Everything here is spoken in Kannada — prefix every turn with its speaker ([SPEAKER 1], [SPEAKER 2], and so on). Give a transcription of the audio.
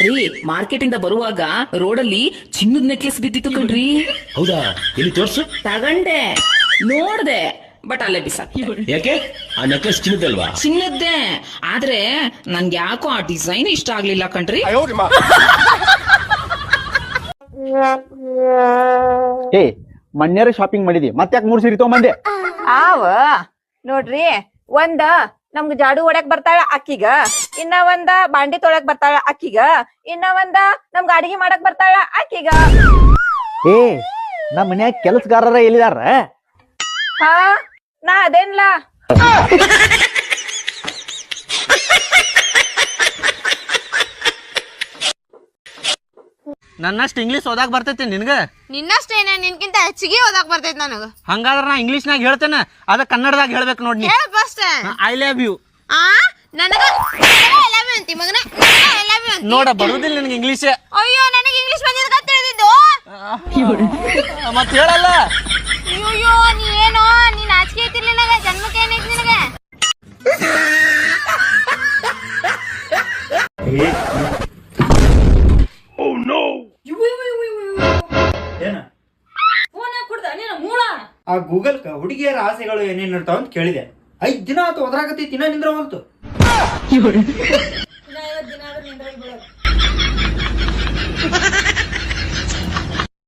[SPEAKER 1] ರೀ ಮಾರ್ಕೆಟ್ ಇಂದ ಬರುವಾಗ ರೋಡಲ್ಲಿ ಚಿನ್ನದ ನೆಕ್ಲೆಸ್ ಬಿದ್ದಿತ್ತು ಕಣ್ರಿ.
[SPEAKER 2] ಹೌದಾ, ಎಲ್ಲಿ ತೋರ್ಸು.
[SPEAKER 1] ತಗಂಡೆ, ನೋಡ್ದೆ, ಬಟ್ ಅಲ್ಲೇ ಬಿಸಾಕಿ.
[SPEAKER 2] ಯಾಕೆ? ಆ ನೆಕ್ಲೆಸ್ ಚಿನ್ನದಲ್ವಾ?
[SPEAKER 1] ಚಿನ್ನದ್ದೇ, ಆದ್ರೆ ನನ್ಗೆ ಯಾಕೋ ಆ ಡಿಸೈನ್ ಇಷ್ಟ ಆಗ್ಲಿಲ್ಲ ಕಣ್ರಿ.
[SPEAKER 3] ಏ ಮಣ್ಯರ ಶಾಪಿಂಗ್ ಮಾಡಿದಿ, ಮತ್ತ್ಯಾಕ್ 3 ಸೀರೆ ತಗೊಂಬಂದೆ?
[SPEAKER 4] ನೋಡ್ರಿ, ಒಂದ ನಮ್ಗ ಜಾಡು ಹೊಡ್ಯಾಕ್ ಬರ್ತಾಳ ಅಕ್ಕಿಗ, ಇನ್ನ ಒಂದ ಬಾಂಡಿ ತೊಳಕ್ ಬರ್ತಾಳ ಅಕ್ಕಿಗ, ಇನ್ನ ಒಂದ ನಮ್ಗ ಅಡಿಗೆ ಮಾಡಕ್ ಬರ್ತಾಳ ಅಕ್ಕಿಗ.
[SPEAKER 3] ಏ ನಮ್ಮ ಮನ್ಯಾಗ ಕೆಲಸಗಾರರ ಎಲ್ಲಿದಾರ?
[SPEAKER 4] ಹಾ, ನಾ ಅದೇನ್ಲ.
[SPEAKER 5] ನನ್ನಷ್ಟು ಇಂಗ್ಲೀಷ್ ಓದಾಕ್ ಬರ್ತೈತಿ ನಿನ್ಗ?
[SPEAKER 6] ನಿನ್ನಷ್ಟೇನೆ, ನಿನ್ಕಿಂತ ಹೆಚ್ಚಿಗೆ ಓದಾಕ್ ಬರ್ತೈತಿ ನನಗ.
[SPEAKER 5] ಹಂಗಾದ್ರ ನಾ ಇಂಗ್ಲೀಷ್ನಾಗ ಹೇಳ್ತೇನೆ, ಅದ ಕನ್ನಡದಾಗ ಹೇಳ್ಬೇಕು ನೋಡಿ.
[SPEAKER 6] ಹೇಳ ಫಸ್ಟ್.
[SPEAKER 5] I love you.
[SPEAKER 6] ನನಗ ಐ ಲವ್ ಯು ಅಂತಿ ಮಗನ, ಐ ಲವ್ ಯು ಅಂತಿ.
[SPEAKER 5] ನೋಡ, ಬರುದಿಲ್ಲ ನಿನಗೆ ಇಂಗ್ಲೀಷ್.
[SPEAKER 6] ಅಯ್ಯೋ, ನನಗೆ ಇಂಗ್ಲೀಷ್ ಬಂದಿದ್ದ ತಿಳಿದಿದ್ದು.
[SPEAKER 5] ಮತ್ ಹೇಳಲ್ಲ.
[SPEAKER 6] ಅಯ್ಯೋ, ನೀ ಏನೋ, ನೀನ್ ನಾಚಿಕೆ ಐತಿರ್ಲಿ ನನಗ, ಜನ್ಮಕ್ಕೆ ಏನೈತಿ ನಿನಗೆ?
[SPEAKER 7] ಆ ಗೂಗಲ್ ಹುಡುಗಿಯರ ಆಸೆಗಳು ಏನೇನ್ ಇರ್ತಾವ ಅಂತ ಕೇಳಿದೆ. 5 ದಿನ ಆತು ಒದರಾಗತೈತಿ, ಇನ್ನ ನಿಂದ್ರ ಹೊಲ್ತು.